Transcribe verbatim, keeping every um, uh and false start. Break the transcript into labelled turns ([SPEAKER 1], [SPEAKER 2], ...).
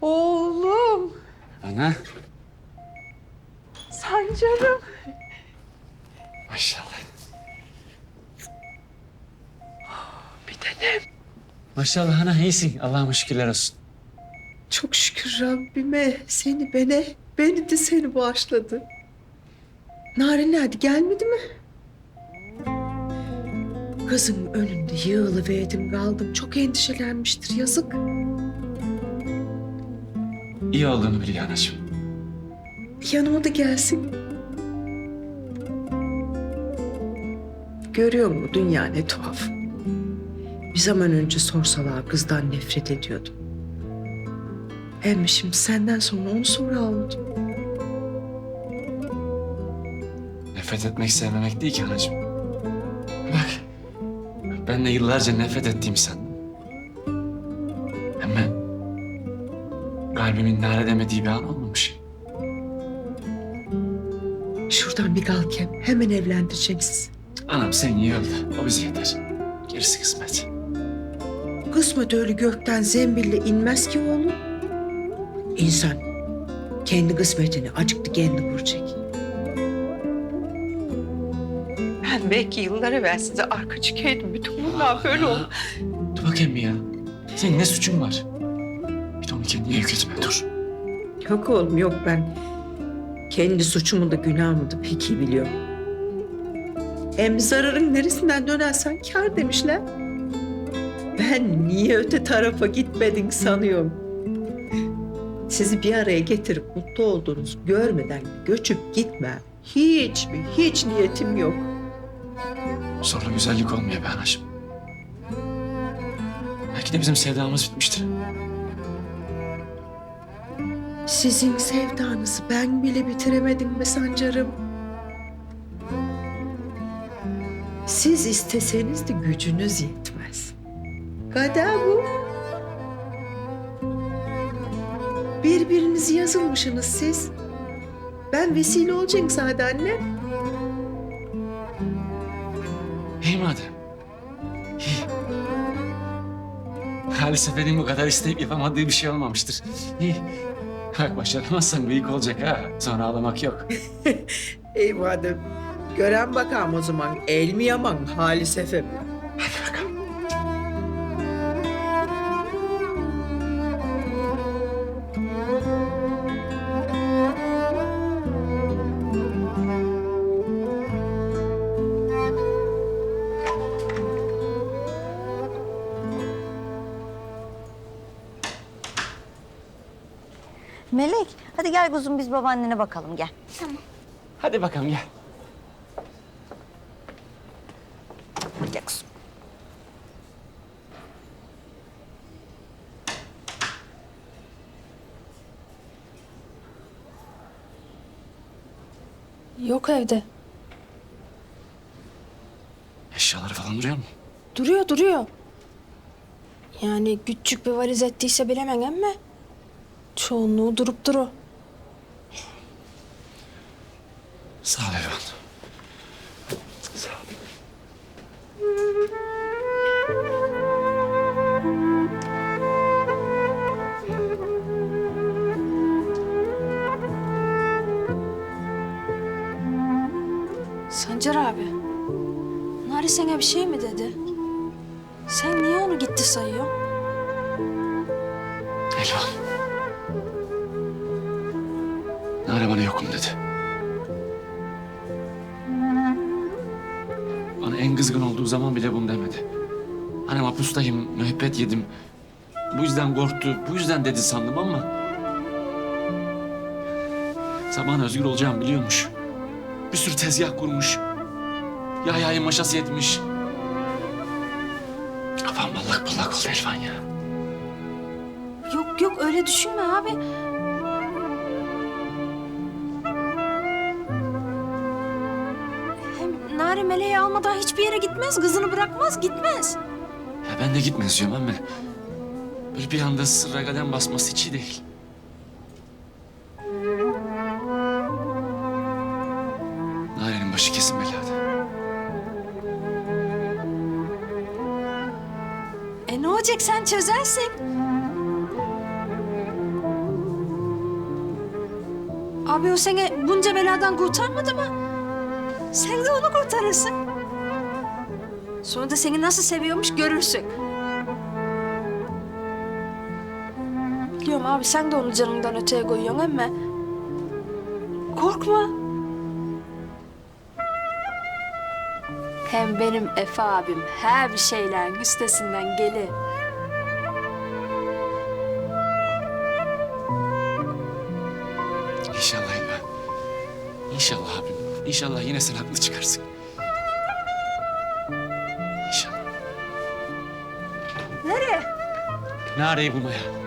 [SPEAKER 1] Oğlum.
[SPEAKER 2] Ana.
[SPEAKER 1] Sancarım.
[SPEAKER 2] Maşallah.
[SPEAKER 1] Bir tanem.
[SPEAKER 2] Maşallah ana iyisin. Allah'ıma şükürler olsun.
[SPEAKER 1] Çok şükür Rabbime seni bana, beni de seni bağışladı. Narin nerede, gelmedi mi? Kızın önünde yığılıverdim kaldım. Çok endişelenmiştir, yazık.
[SPEAKER 2] İyi olduğunu biliyor anacığım.
[SPEAKER 1] Yanıma da gelsin. Görüyor musun dünya ne tuhaf. Bir zaman önce sorsalar kızdan nefret ediyordum. Hem şimdi senden sonra onu sonra aldım.
[SPEAKER 2] Nefret etmek sevmemek değil ki anacığım. Bak. Ben de yıllarca nefret ettiğimi sandım. Ama kalbimin nare demediği bir an olmamış.
[SPEAKER 1] Şuradan bir kalkem hemen evlendireceğim sizi.
[SPEAKER 2] Anam sen iyi öldü. O bize yeter. Gerisi kısmet.
[SPEAKER 1] Kısmet öyle gökten zembille inmez ki oğlum. İnsan kendi kısmetini acıktı kendi kuracak. Ben belki yıllar evvel size arka çıkaydım. Bütün bunlar böyle oldu.
[SPEAKER 2] Dur bakayım bir ya. Senin ne suçun var? Bir de onu kendine yük etme dur.
[SPEAKER 1] Yok oğlum yok, ben kendi suçumu da günahımı da pek iyi biliyorum. Hem zararın neresinden dönersen kâr demişler. Ben niye öte tarafa gitmedin sanıyorum. Sizi bir araya getirip mutlu olduğunuz görmeden göçüp gitme. Hiç mi, hiç niyetim yok.
[SPEAKER 2] Sonra güzellik olmuyor be anacığım. Belki de bizim sevdamız bitmiştir.
[SPEAKER 1] Sizin sevdanızı ben bile bitiremedim be Sancarım. Siz isteseniz de gücünüz yetmez. Kader bu. Birbirinizi yazılmışsınız siz. Ben vesile olacağım sadece anne.
[SPEAKER 2] İyi madem. İyi. Halis Efendi'nin bu kadar isteyip yapamadığı bir şey olmamıştır. İyi. Bak başaramazsan büyük olacak ha. Sonra ağlamak yok.
[SPEAKER 1] Ey madem. Gören bakalım o zaman. El mi yaman Halis Efem?
[SPEAKER 2] Hadi bakalım.
[SPEAKER 3] Melek, hadi gel kuzum biz babaannene bakalım gel.
[SPEAKER 4] Tamam.
[SPEAKER 2] Hadi bakalım gel.
[SPEAKER 3] Gel kuzum.
[SPEAKER 4] Yok evde.
[SPEAKER 2] Eşyaları falan duruyor mu?
[SPEAKER 4] Duruyor duruyor. Yani küçük bir valiz ettiyse bilemem ama çoğunluğu durup duru.
[SPEAKER 2] Sağ ol Elvan. Sağ ol.
[SPEAKER 4] Sancar abi, Nari sana bir şey mi dedi? Sen niye onu gitti sayıyorsun?
[SPEAKER 2] Elvan. Nare bana yokum dedi. Bana en kızgın olduğu zaman bile bunu demedi. Hani hapustayım, müebbet yedim. Bu yüzden korktu, bu yüzden dedi sandım ama... Zaman özgür olacağımı biliyormuş. Bir sürü tezgah kurmuş. Yahya'yı maşası etmiş. Kafam ballak ballak oldu Elvan ya.
[SPEAKER 4] Yok yok öyle düşünme abi. Hem Nari Meleği almadan hiçbir yere gitmez, kızını bırakmaz, gitmez.
[SPEAKER 2] Ya ben de gitmez diyorum ama... Böyle bir anda sırra kadem basması hiç iyi değil. Narenin başı kesin belada.
[SPEAKER 4] E ne olacak sen çözersin. Abi o seni bunca beladan kurtarmadı mı? Sen de onu kurtarırsın. Sonra da seni nasıl seviyormuş görürsün. Biliyorum abi sen de onu canından öteye koyuyorsun ama... Korkma. Hem benim Efe abim her bir şeylerin üstesinden gelir.
[SPEAKER 2] İnşallah İlhan. İnşallah abim. İnşallah yine sen haklı çıkarsın. İnşallah.
[SPEAKER 4] Nereye?
[SPEAKER 2] Nareyi bulmaya.